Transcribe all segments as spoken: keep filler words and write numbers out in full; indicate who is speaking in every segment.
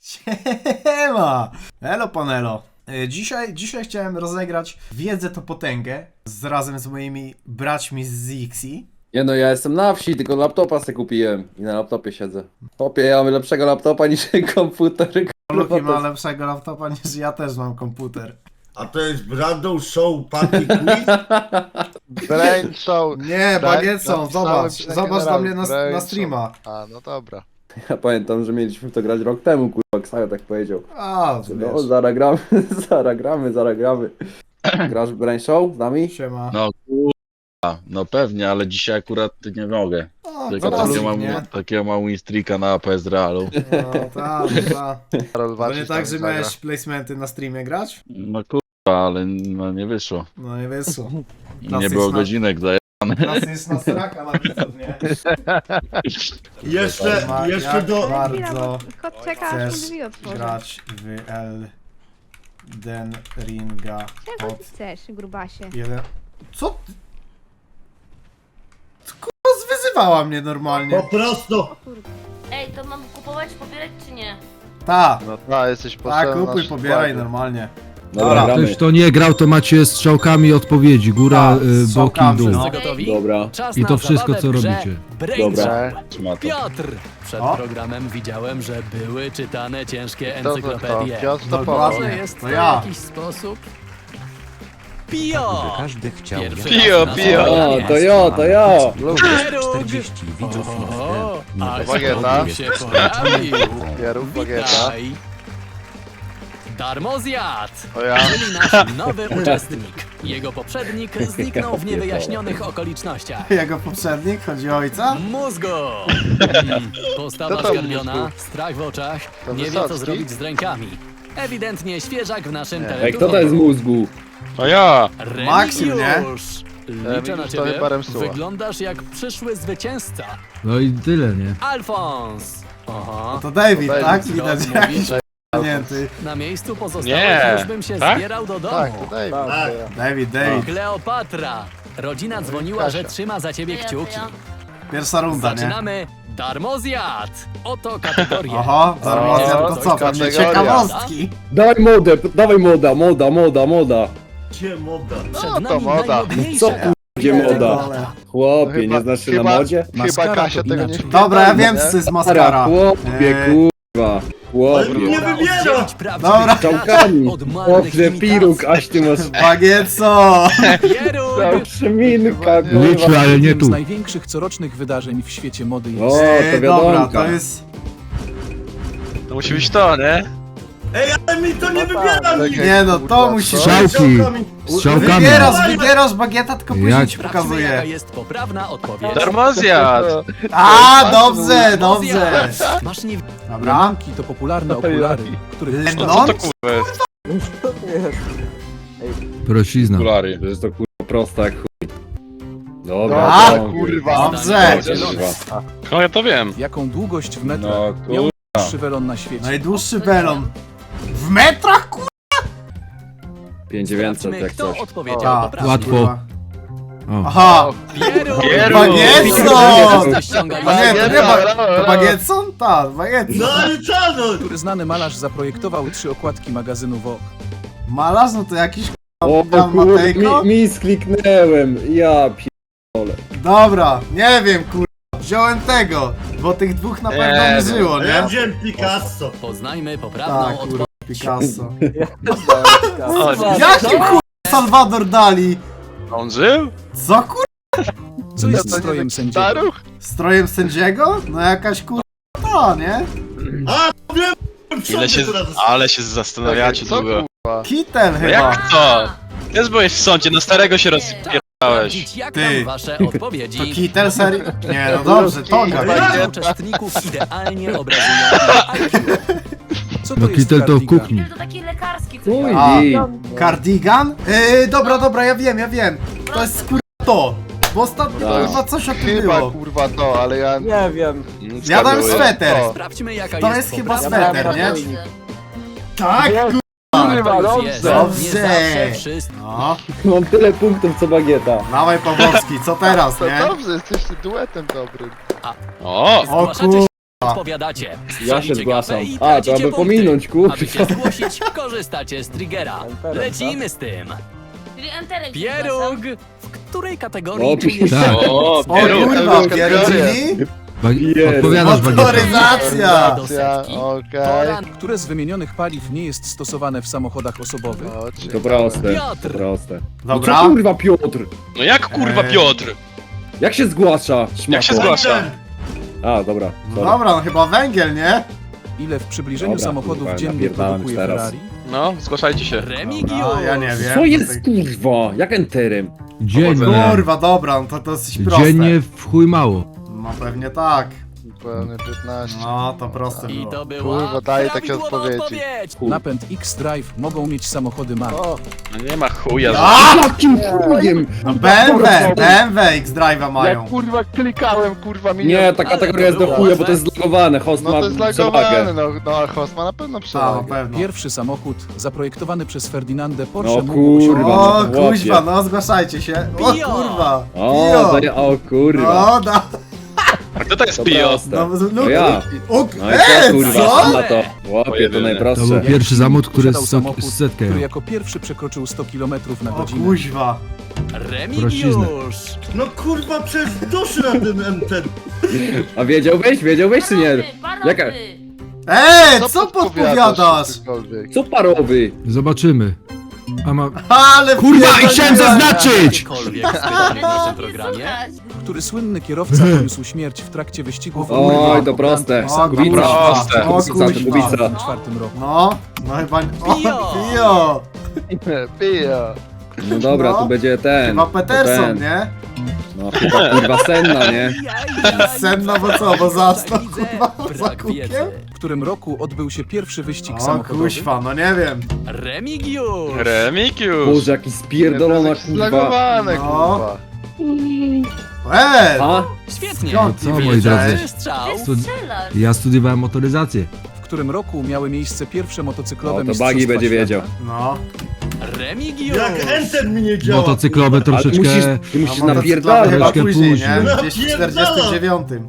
Speaker 1: Siema! Elo panelo. Dzisiaj, dzisiaj chciałem rozegrać Wiedzę to potęgę z, razem z moimi braćmi z Zixi.
Speaker 2: Nie no, ja jestem na wsi, tylko laptopa sobie kupiłem i na laptopie siedzę. Chłopie, ja mam lepszego laptopa niż komputer.
Speaker 1: Luki ma lepszego laptopa niż ja też mam komputer.
Speaker 3: A to jest Brandon Show Party Quiz?
Speaker 4: Brain Show.
Speaker 1: Nie, bagietsą,
Speaker 4: Napisałem
Speaker 1: zobacz,
Speaker 4: się
Speaker 1: zobacz na mnie na,
Speaker 4: Brain
Speaker 1: na
Speaker 4: Show.
Speaker 1: streama.
Speaker 4: A, no dobra.
Speaker 2: Ja pamiętam, że mieliśmy w to grać rok temu, kurwa, Ksajo tak powiedział.
Speaker 1: A,
Speaker 2: No,
Speaker 1: wiesz.
Speaker 2: zaraz gramy, zaraz gramy, zaraz gramy. Grasz w Brain Show z nami?
Speaker 1: Siema.
Speaker 5: No kurwa, no pewnie, ale dzisiaj akurat nie mogę.
Speaker 1: O,
Speaker 5: Tylko
Speaker 1: zaraz,
Speaker 5: takiego mam,
Speaker 1: nie?
Speaker 5: takiego mam winstreaka na P S Realu.
Speaker 1: No, tak, tak.
Speaker 4: Karol
Speaker 1: To
Speaker 4: Waczyś
Speaker 1: nie
Speaker 4: tam
Speaker 1: tak, że
Speaker 4: zagra.
Speaker 1: miałeś placementy na streamie grać?
Speaker 5: No kurwa, ale no, nie wyszło.
Speaker 1: No nie wyszło.
Speaker 5: Nie było
Speaker 1: Klasyczna-
Speaker 5: godzinek daje.
Speaker 1: Klasyczna sraka na widzów, nie?
Speaker 3: Jeszcze,
Speaker 1: Ma-
Speaker 3: jeszcze
Speaker 1: jak
Speaker 3: do...
Speaker 1: bardzo
Speaker 6: Kot czeka, aż mu
Speaker 1: chcesz
Speaker 6: drzwi otworzę.
Speaker 1: grać w Elden Ringa
Speaker 6: Czego
Speaker 1: od
Speaker 6: ty chcesz, grubasie?
Speaker 1: jeden... Co ty? Ty, kurwa, zwyzywała mnie
Speaker 3: Po
Speaker 1: normalnie.
Speaker 3: prostu...
Speaker 7: Ej, to mam kupować, pobierać czy nie?
Speaker 1: Ta,
Speaker 4: No ta, jesteś
Speaker 1: ta,
Speaker 4: potrzebny
Speaker 1: kupuj,
Speaker 4: naszym
Speaker 1: pobieraj
Speaker 4: składzie.
Speaker 1: normalnie.
Speaker 2: Dobra,
Speaker 1: Dobra,
Speaker 2: gramy.
Speaker 8: Ktoś to nie grał, to macie strzałkami odpowiedzi. Góra,
Speaker 1: Tak,
Speaker 8: y, boki,
Speaker 1: strzałkami,
Speaker 8: dół.
Speaker 1: no.
Speaker 9: Gotowi?
Speaker 2: Dobra.
Speaker 9: Czas
Speaker 8: I
Speaker 9: na
Speaker 8: to wszystko,
Speaker 9: zabawę
Speaker 8: co
Speaker 9: w grze
Speaker 8: robicie.
Speaker 9: Brain
Speaker 2: Dobra.
Speaker 9: Show.
Speaker 5: Trzyma to.
Speaker 9: Piotr! Przed
Speaker 1: O.
Speaker 9: programem widziałem, że były czytane ciężkie
Speaker 4: To, to,
Speaker 9: encyklopedie.
Speaker 4: to. Piotr to
Speaker 1: Dokładnie.
Speaker 4: pomoże.
Speaker 9: Może jest
Speaker 1: To
Speaker 9: to
Speaker 1: ja.
Speaker 9: jakiś sposób? Pio!
Speaker 10: Każdy chciał
Speaker 9: Pierwszy
Speaker 5: Pio,
Speaker 9: raz na
Speaker 5: pio.
Speaker 9: spotkanie.
Speaker 2: O, to ja, to ja.
Speaker 4: Lubię.
Speaker 9: Pieróg!
Speaker 10: czterdzieści widzów
Speaker 9: Oho,
Speaker 10: nie
Speaker 9: a
Speaker 4: Bagieta.
Speaker 9: się pojawił.
Speaker 4: Pieróg, bagieta.
Speaker 9: Witaj! Darmozjad!
Speaker 4: O ja.
Speaker 9: Czyli nasz nowy uczestnik. Jego poprzednik zniknął w niewyjaśnionych okolicznościach.
Speaker 1: Jego poprzednik, chodzi o ojca?
Speaker 9: Mózgo! Mm, Postawa
Speaker 4: Kto to
Speaker 9: zgarbiona,
Speaker 4: mózgu?
Speaker 9: strach w oczach,
Speaker 4: To
Speaker 9: nie wie co
Speaker 4: Wysocki?
Speaker 9: zrobić z rękami. Ewidentnie świeżak w naszym
Speaker 4: Nie.
Speaker 2: Ej,
Speaker 9: teleturnieju.
Speaker 2: kto to jest mózgu?
Speaker 5: To ja!
Speaker 1: Maksim, nie?
Speaker 9: Remigiusz! Liczę na
Speaker 4: Remigiusz to
Speaker 9: ciebie.
Speaker 4: chyba Remsuła.
Speaker 9: Wyglądasz jak przyszły zwycięzca.
Speaker 8: No i tyle, nie?
Speaker 9: Alfons! Aha.
Speaker 1: To David,
Speaker 4: To
Speaker 1: tak?
Speaker 4: David,
Speaker 1: Widać
Speaker 9: no,
Speaker 1: jakiś
Speaker 9: mówisz.
Speaker 1: pamięty.
Speaker 9: Na miejscu pozostałych
Speaker 5: Nie.
Speaker 9: już bym się
Speaker 5: Tak?
Speaker 9: zbierał do domu.
Speaker 4: Tak, to David.
Speaker 2: Tak.
Speaker 4: to ja.
Speaker 1: David, David.
Speaker 9: Kleopatra! Rodzina dzwoniła, że
Speaker 4: Kasia.
Speaker 9: trzyma za ciebie
Speaker 7: To ja, to
Speaker 9: kciuki.
Speaker 7: ja.
Speaker 1: Pierwsza runda, nie?
Speaker 9: Zaczynamy Darmozjad! Oto kategoria.
Speaker 1: Oho, darmozjad to co? Pewnie
Speaker 4: kategoria.
Speaker 1: ciekawostki.
Speaker 2: Dawaj modę, dawaj moda, moda, moda, moda.
Speaker 3: Gdzie moda?
Speaker 9: Przed
Speaker 4: No to
Speaker 9: nami
Speaker 4: moda.
Speaker 9: najmodniejsza
Speaker 2: Co tu gdzie moda? Chłopie,
Speaker 4: Chyba-
Speaker 2: nie znasz się na
Speaker 4: chyba-
Speaker 2: modzie?
Speaker 4: Chyba
Speaker 10: Maskara
Speaker 4: Kasia
Speaker 10: to
Speaker 4: tego nie
Speaker 10: inaczej.
Speaker 4: wpierdoli,
Speaker 1: Dobra, ja wiem
Speaker 4: nie?
Speaker 1: co to jest
Speaker 2: Maskara,
Speaker 1: maskara.
Speaker 2: chłopie,
Speaker 1: Eee,
Speaker 2: kurwa.
Speaker 3: Ale
Speaker 2: Chłopie.
Speaker 3: nie
Speaker 9: Pora
Speaker 3: wybiera!
Speaker 9: oddzielić prawdziwych
Speaker 1: Dobra.
Speaker 2: Strzałkami.
Speaker 9: od marnych
Speaker 2: Chłopie,
Speaker 9: imitacji.
Speaker 2: piruk, aś ty masz
Speaker 1: Bagieco!
Speaker 9: Pieróg!
Speaker 2: przyminka,
Speaker 8: Liczę,
Speaker 2: kurwa.
Speaker 8: ale nie
Speaker 10: Jednym
Speaker 8: tu.
Speaker 10: z największych corocznych wydarzeń w świecie mody
Speaker 2: O,
Speaker 10: jest...
Speaker 2: to
Speaker 1: Ej, dobra,
Speaker 2: wiadomo.
Speaker 1: to jest...
Speaker 5: To musi być to, nie?
Speaker 3: Ej, ale mi to nie
Speaker 4: No
Speaker 3: wybiera
Speaker 4: tak,
Speaker 3: mi!
Speaker 4: czekaj,
Speaker 1: Nie no,
Speaker 4: kurwa,
Speaker 1: to musi
Speaker 4: co?
Speaker 1: być.
Speaker 8: Strzałki. Strzałkami.
Speaker 1: Wybierasz, wybierasz bagieta, tylko później
Speaker 8: Ja
Speaker 1: ci
Speaker 8: ci-
Speaker 9: Sprawdźmy, jaka
Speaker 1: pokazuję.
Speaker 9: jest poprawna odpowiedź.
Speaker 5: Darmozjad!
Speaker 1: A, dobrze, dobrze.
Speaker 9: Darmozjad. Masz nie...
Speaker 1: Dobra.
Speaker 10: Lemonki to popularne okulary, których
Speaker 1: Lennon?
Speaker 5: Co to kurwa jest?
Speaker 8: Prosizna.
Speaker 5: Okulary.
Speaker 2: To jest to kurwa proste jak chuj. Dobra,
Speaker 1: A,
Speaker 2: dobra,
Speaker 4: kurwa.
Speaker 1: Dobrze.
Speaker 2: kurwa.
Speaker 5: No ja to wiem.
Speaker 10: jaką długość w metrach
Speaker 2: No
Speaker 10: miał
Speaker 2: kurwa.
Speaker 10: najdłuższy welon na świecie.
Speaker 1: Najdłuższy belon. W metrach, kurwa?
Speaker 2: pięć tysięcy dziewięćset
Speaker 9: Sprawdźmy,
Speaker 2: jak
Speaker 9: kto
Speaker 2: coś.
Speaker 9: odpowiedział
Speaker 1: A,
Speaker 9: poprawnie.
Speaker 8: Łatwo.
Speaker 1: kurwa.
Speaker 8: O.
Speaker 1: Aha.
Speaker 9: Pieróg!
Speaker 5: Pieróg.
Speaker 1: Bagieco!
Speaker 9: Ściągaj
Speaker 1: A nie, to nie
Speaker 4: Bagieta,
Speaker 1: ba...
Speaker 4: brawo,
Speaker 1: To
Speaker 4: brawo.
Speaker 1: Bagietson? Tak, Bagietson.
Speaker 3: No ale co no?
Speaker 10: Który znany malarz zaprojektował trzy okładki magazynu Vogue.
Speaker 1: Malarz, no to jakiś
Speaker 2: O
Speaker 1: kurwa
Speaker 2: kurwa,
Speaker 1: Matejko?
Speaker 2: mi, mi skliknęłem. Ja pierdolę.
Speaker 1: Dobra, nie wiem, kurwa. Wziąłem tego, bo tych dwóch na pewno nie
Speaker 5: Nie,
Speaker 1: żyło,
Speaker 3: A ja
Speaker 1: nie?
Speaker 3: wziąłem Picasso.
Speaker 9: Poznajmy poprawną
Speaker 1: Tak,
Speaker 9: odpowiedź.
Speaker 1: kurwa, Picasso.
Speaker 5: O,
Speaker 1: Jakim kurwa Salvador Dali?
Speaker 5: on żył?
Speaker 1: Co kurwa?
Speaker 10: Co jest
Speaker 4: To nie
Speaker 10: strojem
Speaker 4: taki
Speaker 10: sędziego?
Speaker 4: staruch?
Speaker 1: Strojem sędziego? No jakaś kurwa to, nie?
Speaker 3: A, wiem! w
Speaker 5: Ile się,
Speaker 3: sądzie teraz-
Speaker 5: ale się zastanawiacie
Speaker 4: Co,
Speaker 5: długo.
Speaker 4: kurwa?
Speaker 1: Kitel
Speaker 5: No
Speaker 1: chyba.
Speaker 5: jak to? Też byłeś w sądzie, na starego się rozpierdałeś.
Speaker 9: Sprawdzić, jak
Speaker 1: Ty.
Speaker 9: tam wasze
Speaker 1: To
Speaker 9: odpowiedzi.
Speaker 1: Kitel serii? Nie, no dobrze, Toga.
Speaker 9: Odpowiedzi uczestników idealnie obrazują ich I Q.
Speaker 10: Co to
Speaker 8: No
Speaker 10: jest
Speaker 8: kitel to w
Speaker 10: cardigan?
Speaker 8: kuchni.
Speaker 7: To taki lekarski coś.
Speaker 2: Chuj,
Speaker 1: A.
Speaker 2: i-
Speaker 1: Cardigan? Yy, dobra, dobra, ja wiem, ja wiem. To jest kurwa to. Bo ostatnio
Speaker 2: Tak.
Speaker 1: kurwa coś o tym
Speaker 4: Chyba
Speaker 1: było.
Speaker 4: kurwa to, ale ja...
Speaker 2: Nie wiem.
Speaker 1: Ja dam sweter.
Speaker 4: O.
Speaker 9: Sprawdźmy, jaka
Speaker 1: To
Speaker 9: jest
Speaker 1: jest chyba
Speaker 9: poprawna
Speaker 1: sweter,
Speaker 9: odpowiedź.
Speaker 1: nie? Tak, kurwa.
Speaker 9: To już jest.
Speaker 1: Dobrze.
Speaker 9: Nie zawsze wszystko.
Speaker 1: No,
Speaker 2: Mam tyle punktów co bagieta.
Speaker 1: dawaj Pawłowski, co teraz,
Speaker 4: To
Speaker 1: nie?
Speaker 4: dobrze, jesteście duetem dobrym.
Speaker 5: O!
Speaker 1: O
Speaker 9: Zgłaszacie
Speaker 1: kurwa,
Speaker 9: Odpowiadacie.
Speaker 2: Ja się
Speaker 9: Strzelicie
Speaker 2: zgłaszam.
Speaker 9: gafę i
Speaker 2: A,
Speaker 9: tracicie
Speaker 2: to aby
Speaker 9: punkty.
Speaker 2: pominąć, kurwa.
Speaker 9: Aby się zgłosić, korzystacie z triggera. Lecimy z tym.
Speaker 7: Czyli enterem.
Speaker 9: Pieróg! W której kategorii
Speaker 2: O,
Speaker 9: czujesz
Speaker 8: tak.
Speaker 9: się
Speaker 5: O,
Speaker 1: O
Speaker 5: pieróg,
Speaker 1: kurwa,
Speaker 5: pieróg,
Speaker 1: pierdzili?
Speaker 8: Ba-
Speaker 2: Jest.
Speaker 8: Odpowiadasz, Bagieta.
Speaker 1: Motoryzacja!
Speaker 9: do
Speaker 4: Ja,
Speaker 9: setki?
Speaker 4: okej.
Speaker 9: Pora
Speaker 10: Które z wymienionych paliw nie jest stosowane w samochodach osobowych?
Speaker 4: O,
Speaker 2: To
Speaker 4: ciekawe.
Speaker 2: proste,
Speaker 9: Piotr.
Speaker 2: to proste. No
Speaker 1: Dobra.
Speaker 2: co kurwa Piotr?
Speaker 5: No jak kurwa
Speaker 1: Eee.
Speaker 5: Piotr?
Speaker 2: Jak się zgłasza?
Speaker 5: Jak się
Speaker 2: szmato?
Speaker 5: zgłasza?
Speaker 2: A, dobra.
Speaker 1: No
Speaker 2: sorry.
Speaker 1: dobra, no chyba węgiel, nie?
Speaker 10: Ile w przybliżeniu
Speaker 2: Dobra,
Speaker 10: samochodów
Speaker 2: kurwa,
Speaker 10: dziennie
Speaker 2: napierdałem
Speaker 10: produkuje
Speaker 2: teraz.
Speaker 10: Ferrari?
Speaker 5: No, zgłaszajcie się.
Speaker 9: Remigiusz!
Speaker 1: No, ja nie wiem.
Speaker 2: Co jest kurwa? Jak enterem?
Speaker 8: Dziennie.
Speaker 1: Kurwa, dobra, no to dosyć proste.
Speaker 8: Dziennie w chuj mało.
Speaker 1: No pewnie tak.
Speaker 4: Pełny piętnaście.
Speaker 1: No, to proste
Speaker 9: I
Speaker 1: było.
Speaker 9: to była
Speaker 4: Kurwa, daję takie
Speaker 9: prawidłowa
Speaker 4: odpowiedzi.
Speaker 9: odpowiedź.
Speaker 10: Napęd X-Drive mogą mieć samochody marki.
Speaker 4: O,
Speaker 5: No nie ma chuja.
Speaker 1: A!
Speaker 2: Jakim chujem?
Speaker 1: No B M W, B M W X-Drive'a mają.
Speaker 4: jak kurwa klikałem, kurwa milion.
Speaker 2: Nie, ta kategoria jest do chuja, bo to jest zlagowane. Host
Speaker 4: No
Speaker 2: ma
Speaker 4: to jest
Speaker 2: przewagę.
Speaker 4: lagowane, no, no a host ma na pewno
Speaker 1: Ta, na
Speaker 4: przewagę.
Speaker 1: pewno.
Speaker 10: Pierwszy samochód zaprojektowany przez Ferdinandę Porsche
Speaker 2: No
Speaker 10: mógł osiągnąć...
Speaker 2: kurwa.
Speaker 1: O,
Speaker 2: no, chłopie.
Speaker 1: kuźwa, no zgłaszajcie się. O
Speaker 9: Pio.
Speaker 1: kurwa.
Speaker 2: O,
Speaker 1: Pio.
Speaker 2: daję, o kurwa.
Speaker 1: No, da.
Speaker 5: A kto to jest
Speaker 2: To
Speaker 5: Pio?
Speaker 2: proste.
Speaker 1: No, no,
Speaker 2: To ja.
Speaker 1: O,
Speaker 2: No i
Speaker 1: e,
Speaker 2: co kurwa,
Speaker 1: co?
Speaker 2: na to. Łopie, to
Speaker 5: Pojedynek.
Speaker 8: To
Speaker 2: najprostsze.
Speaker 8: był pierwszy zamód, który
Speaker 10: Posiadał
Speaker 8: z sto-
Speaker 10: samochód,
Speaker 8: z setkę
Speaker 10: który
Speaker 8: jechał.
Speaker 10: jako pierwszy przekroczył sto kilometrów na
Speaker 1: O
Speaker 10: godzinę.
Speaker 1: kuźwa.
Speaker 9: Remigiusz!
Speaker 3: No kurwa, przez duszy na tym M T.
Speaker 2: A wiedziałbyś? Wiedziałbyś czy nie?
Speaker 7: Parowy,
Speaker 2: Jaka?
Speaker 7: parowy.
Speaker 1: Eee, co podpowiadasz?
Speaker 4: cokolwiek?
Speaker 2: Co parowy?
Speaker 8: Zobaczymy. A ma...
Speaker 1: Ale
Speaker 8: Kurwa, i chciałem
Speaker 1: pierdoliłem.
Speaker 8: zaznaczyć!
Speaker 9: Cokolwiek spytanie w naszym programie.
Speaker 7: Słuchać.
Speaker 10: Który słynny kierowca poniósł śmierć w trakcie wyścigu Formuły
Speaker 2: Oj,
Speaker 10: jeden
Speaker 2: to
Speaker 10: po
Speaker 2: proste.
Speaker 10: Grand
Speaker 1: O,
Speaker 10: Prix
Speaker 2: Kubica.
Speaker 5: proste.
Speaker 1: O,
Speaker 2: Kubica, to
Speaker 1: kuźwa.
Speaker 2: Kubica.
Speaker 10: w dwa tysiące czwartym roku.
Speaker 1: No, no chyba... O,
Speaker 9: Pio.
Speaker 1: Pio.
Speaker 4: Pija.
Speaker 2: No dobra,
Speaker 1: No.
Speaker 2: tu będzie ten.
Speaker 1: Chyba
Speaker 2: to
Speaker 1: Peterson,
Speaker 2: ten.
Speaker 1: nie?
Speaker 2: No chyba kurwa Senna, nie?
Speaker 1: Senna, bo co, bo zastał, kurwa, za
Speaker 9: Brak
Speaker 1: kółkiem?
Speaker 9: wiedzy.
Speaker 10: W którym roku odbył się pierwszy wyścig
Speaker 1: O
Speaker 10: samochodowy?
Speaker 1: kuźwa, no nie wiem.
Speaker 9: Remigiusz!
Speaker 5: Remigiusz.
Speaker 2: Boże, jaki spierdolona kurwa.
Speaker 4: Zlagowane,
Speaker 1: No.
Speaker 4: kurwa.
Speaker 1: Eee,
Speaker 2: A?
Speaker 9: Świetnie!
Speaker 1: Skąd
Speaker 8: Co,
Speaker 1: ty
Speaker 8: moi
Speaker 1: wiedziałeś?
Speaker 8: drodzy?
Speaker 9: Strzał!
Speaker 7: Ty strzelasz.
Speaker 8: Ja studiowałem motoryzację.
Speaker 10: W którym roku miały miejsce pierwsze motocyklowe
Speaker 2: O, to
Speaker 10: mistrzostwa
Speaker 2: Bagi będzie
Speaker 10: świata?
Speaker 2: wiedział.
Speaker 1: No.
Speaker 9: Remigiusz!
Speaker 3: Jak Enter mi nie działa.
Speaker 8: Motocyklowe
Speaker 2: Ale
Speaker 8: troszeczkę...
Speaker 2: musisz, ty musisz
Speaker 1: A motocyklowe
Speaker 2: napierdalać.
Speaker 1: chyba
Speaker 8: Troszkę
Speaker 1: później,
Speaker 8: później.
Speaker 1: nie? Gdzieś w czterdziestym dziewiątym.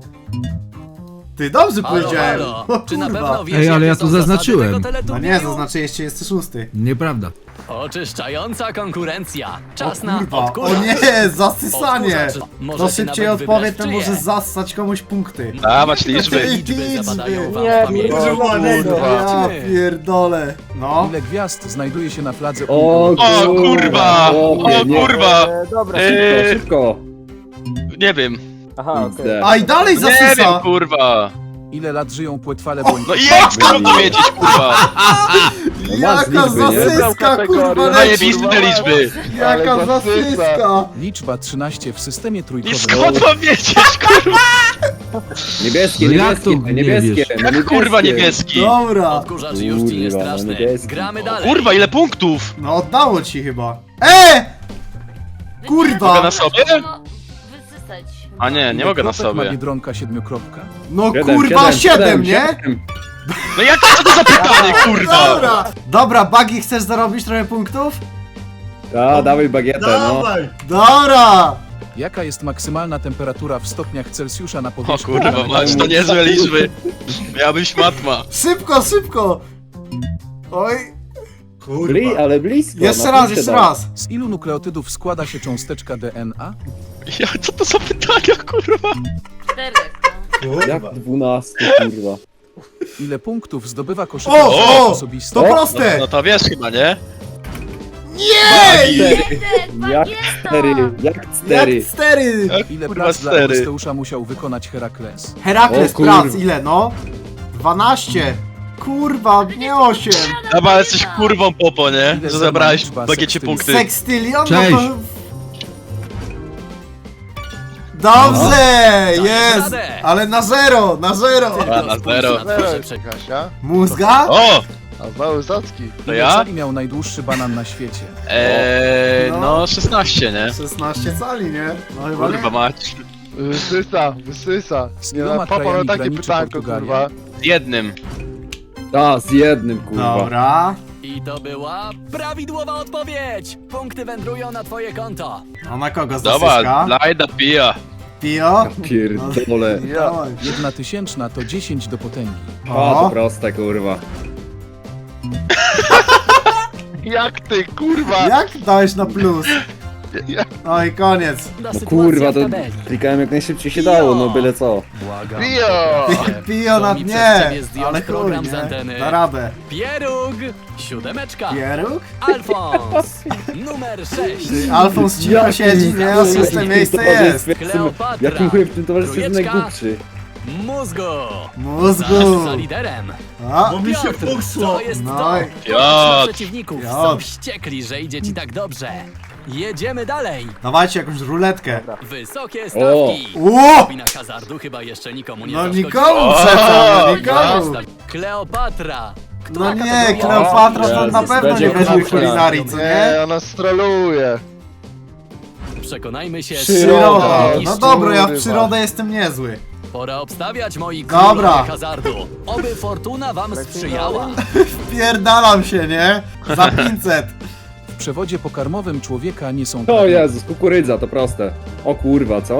Speaker 1: Ty dobrze
Speaker 9: Halo,
Speaker 1: powiedziałem.
Speaker 9: halo.
Speaker 1: O
Speaker 9: Czy na
Speaker 1: kurwa.
Speaker 9: pewno wiesz,
Speaker 8: Ej, ale
Speaker 9: jakie
Speaker 8: ja
Speaker 9: są
Speaker 8: to
Speaker 9: zasady
Speaker 8: zaznaczyłem.
Speaker 9: tego
Speaker 1: No nie,
Speaker 9: teleturnieju?
Speaker 1: zaznaczyłeś trzydziesty szósty.
Speaker 8: Nieprawda.
Speaker 9: Oczyszczająca konkurencja.
Speaker 1: O
Speaker 9: Czas na
Speaker 1: kurwa, o
Speaker 9: odkurzacz.
Speaker 1: nie, zasysanie.
Speaker 9: Odkurzacz.
Speaker 1: To
Speaker 9: Możecie
Speaker 1: szybciej
Speaker 9: nawet
Speaker 1: odpowie,
Speaker 9: wybrać
Speaker 1: to
Speaker 9: czyje.
Speaker 1: może zassać komuś punkty.
Speaker 5: Dawać liczby.
Speaker 9: Liczby zapadają wam
Speaker 1: Nie,
Speaker 9: w pamięci.
Speaker 3: kurwa, nie,
Speaker 1: Ja pierdolę. No.
Speaker 10: Ile gwiazd znajduje się na fladze
Speaker 2: O
Speaker 10: Unii?
Speaker 5: O kurwa!
Speaker 2: Chłopie,
Speaker 5: O
Speaker 2: nie.
Speaker 5: kurwa!
Speaker 2: Dobra,
Speaker 5: Eee.
Speaker 2: szybko, szybko.
Speaker 5: Nie wiem.
Speaker 2: Aha, okej.
Speaker 1: A i dalej
Speaker 5: Nie wiem,
Speaker 1: zasysa.
Speaker 5: kurwa.
Speaker 10: Ile lat żyją płetwale błękitne?
Speaker 5: No i jak skąd to wiedzieć, kurwa?
Speaker 2: No masz
Speaker 1: Jaka
Speaker 2: liczby, nie?
Speaker 1: zasyska, kurwa, leci.
Speaker 5: Zajebiste te liczby.
Speaker 1: Jaka
Speaker 4: Ale zasysa.
Speaker 1: zasyska.
Speaker 10: Liczba trzynaście w systemie
Speaker 5: I
Speaker 10: trójkowym.
Speaker 5: skąd mam wiedzieć, kurwa?
Speaker 2: Niebieskie,
Speaker 8: No jak to
Speaker 2: niebieskie,
Speaker 8: nie
Speaker 2: niebieskie.
Speaker 8: wiesz?
Speaker 2: no
Speaker 5: Jak kurwa niebieski?
Speaker 1: Dobra.
Speaker 9: Odkurzacz już ci jest
Speaker 2: Kurwa, no
Speaker 9: straszny.
Speaker 2: niebieski.
Speaker 9: Gramy dalej.
Speaker 5: Kurwa, ile punktów?
Speaker 1: No oddało ci chyba. E! Kurwa.
Speaker 5: Mogę na sobie?
Speaker 7: No, wysysać.
Speaker 5: A nie, nie
Speaker 10: Ile
Speaker 5: mogę na
Speaker 10: kropek ma
Speaker 5: sobie.
Speaker 10: Biedronka siedmiokropka?
Speaker 1: No
Speaker 2: Siedem,
Speaker 1: kurwa,
Speaker 2: siedem,
Speaker 1: siedem, nie?
Speaker 2: siedem.
Speaker 5: No jak co to za pytanie, kurwa?
Speaker 1: Dobra. Dobra, Buggy, chcesz zarobić trochę punktów?
Speaker 2: A, dawaj bagietę, no.
Speaker 3: Dawaj.
Speaker 1: Dobra.
Speaker 10: Jaka jest maksymalna temperatura w stopniach Celsjusza na
Speaker 5: O
Speaker 10: powierzchni?
Speaker 5: kurwa,
Speaker 10: planety?
Speaker 5: masz to niezłe liczby. Miałbyś matma.
Speaker 1: Szybko, szybko. Oj.
Speaker 2: Bli,
Speaker 3: Kurwa.
Speaker 2: ale blisko.
Speaker 1: Jeszcze
Speaker 2: no,
Speaker 1: raz,
Speaker 2: blisko
Speaker 1: jeszcze
Speaker 2: dał.
Speaker 1: raz.
Speaker 10: Z ilu nukleotydów składa się cząsteczka D N A?
Speaker 5: Ja, co to za pytania, kurwa?
Speaker 7: Cztery.
Speaker 2: Jak
Speaker 3: Kurwa.
Speaker 2: dwunastu, kurwa.
Speaker 10: Ile punktów zdobywa
Speaker 1: O,
Speaker 10: koszykarz
Speaker 1: o,
Speaker 10: osobisty?
Speaker 1: to
Speaker 2: O,
Speaker 5: No,
Speaker 1: proste.
Speaker 5: no to wiesz chyba, nie?
Speaker 1: Nie!
Speaker 7: Jeden,
Speaker 2: Jak
Speaker 7: bagieta.
Speaker 2: cztery, jak cztery.
Speaker 1: Jak cztery.
Speaker 10: Ile
Speaker 5: Kurwa,
Speaker 10: prac dla
Speaker 5: cztery.
Speaker 10: Eurysteusza musiał wykonać Herakles?
Speaker 1: Herakles
Speaker 2: O kurwa.
Speaker 1: prac, ile no? dwanaście. Kurwa, nie osiem.
Speaker 5: Dobra, ale jesteś kurwą popo, nie?
Speaker 10: Ile
Speaker 5: Że zabrałeś
Speaker 10: liczba
Speaker 5: w bagiecie
Speaker 10: sekstyli?
Speaker 5: punkty.
Speaker 1: Sekstylion?
Speaker 8: Cześć.
Speaker 1: No to... Dobrze,
Speaker 9: No.
Speaker 1: jest!
Speaker 9: radę.
Speaker 1: Ale na zero, na zero!
Speaker 5: A, na zero.
Speaker 9: Proszę przekaz.
Speaker 4: Kasia?
Speaker 1: Mózga?
Speaker 5: O!
Speaker 4: A znowu Zacki.
Speaker 5: To
Speaker 10: Ile
Speaker 5: ja?
Speaker 10: cali miał najdłuższy banan na świecie?
Speaker 5: Eee,
Speaker 1: No.
Speaker 5: no szesnaście, nie?
Speaker 1: szesnaście cali, nie? No chyba
Speaker 5: Kurwa
Speaker 1: nie.
Speaker 5: mać.
Speaker 4: Wysysa, wysysa.
Speaker 10: Z
Speaker 4: Nie
Speaker 10: iloma
Speaker 4: no, papa
Speaker 10: krajami
Speaker 4: ma takie
Speaker 10: graniczy
Speaker 4: pytanko,
Speaker 10: Portugalia?
Speaker 4: kurwa.
Speaker 5: Z jednym.
Speaker 2: A, z jednym, kurwa.
Speaker 1: Dobra.
Speaker 9: I to była prawidłowa odpowiedź. Punkty wędrują na twoje konto.
Speaker 1: A na kogo
Speaker 5: Dobra,
Speaker 1: zasyska?
Speaker 5: Lajda pija.
Speaker 1: Pio?
Speaker 2: Pierdolę.
Speaker 4: Ja.
Speaker 1: Dawaj.
Speaker 10: Jedna tysięczna to dziesięć do potęgi.
Speaker 2: A, to
Speaker 1: O,
Speaker 2: proste, kurwa.
Speaker 4: Jak ty, kurwa!
Speaker 1: jak dałeś na plus?
Speaker 4: Ja-
Speaker 1: No i koniec.
Speaker 9: Da
Speaker 2: No
Speaker 9: sytuacja
Speaker 2: kurwa,
Speaker 9: w
Speaker 2: to
Speaker 9: tabeli.
Speaker 2: klikałem jak najszybciej się dało, no byle co.
Speaker 9: Błagam.
Speaker 4: Pio!
Speaker 1: Pi- Pio na
Speaker 9: To mi przez
Speaker 1: dnie,
Speaker 9: ciebie zdjąć
Speaker 1: ale chuj,
Speaker 9: program z
Speaker 1: nie?
Speaker 9: anteny.
Speaker 1: Da radę.
Speaker 9: Pieróg, siódemeczka.
Speaker 1: Pieróg?
Speaker 9: Alfons, numer sześć.
Speaker 1: Ty, Alfons cicho siedzi, nie? A szóste miejsce jest.
Speaker 9: Kleopatra.
Speaker 2: Jakim chujem w tym towarzystwie jest
Speaker 9: Trójeczka.
Speaker 2: najgłupszy?
Speaker 9: Mózgu.
Speaker 1: Mózgu.
Speaker 9: Za, za liderem.
Speaker 1: A,
Speaker 3: Bo mi się
Speaker 9: Piotr,
Speaker 3: fuksło.
Speaker 9: to jest
Speaker 1: No
Speaker 9: to.
Speaker 1: i-
Speaker 5: Piotr.
Speaker 9: Przeciwników
Speaker 1: Piotr.
Speaker 9: są wściekli, że idzie ci tak dobrze. Jedziemy dalej.
Speaker 1: dawajcie jakąś ruletkę.
Speaker 9: Wysokie stawki.
Speaker 1: Ło!
Speaker 9: Wina hazardu chyba jeszcze nikomu nie
Speaker 1: No
Speaker 9: zaszkodziła.
Speaker 1: nikomu przecież, no nikomu.
Speaker 9: Kleopatra.
Speaker 1: No
Speaker 9: Która
Speaker 1: nie,
Speaker 9: kategoria?
Speaker 1: Kleopatra to na
Speaker 2: Jezus,
Speaker 1: pewno
Speaker 2: będzie
Speaker 1: nie weźmie
Speaker 2: kurwa.
Speaker 1: kulinarii, co
Speaker 4: Nie,
Speaker 1: nie?
Speaker 4: ona stroluje.
Speaker 9: Przekonajmy się.
Speaker 1: Przyroda.
Speaker 4: Mistrz,
Speaker 1: No dobra, ja w
Speaker 4: kurwa.
Speaker 1: przyrodę jestem niezły.
Speaker 9: Pora obstawiać, moi
Speaker 1: Dobra.
Speaker 9: królowie hazardu. Oby fortuna wam sprzyjała.
Speaker 1: Pierdalam się, nie? Za pięćset.
Speaker 10: W przewodzie pokarmowym człowieka nie są
Speaker 2: O
Speaker 10: prawie.
Speaker 2: Jezus, kukurydza, to proste. O kurwa, co?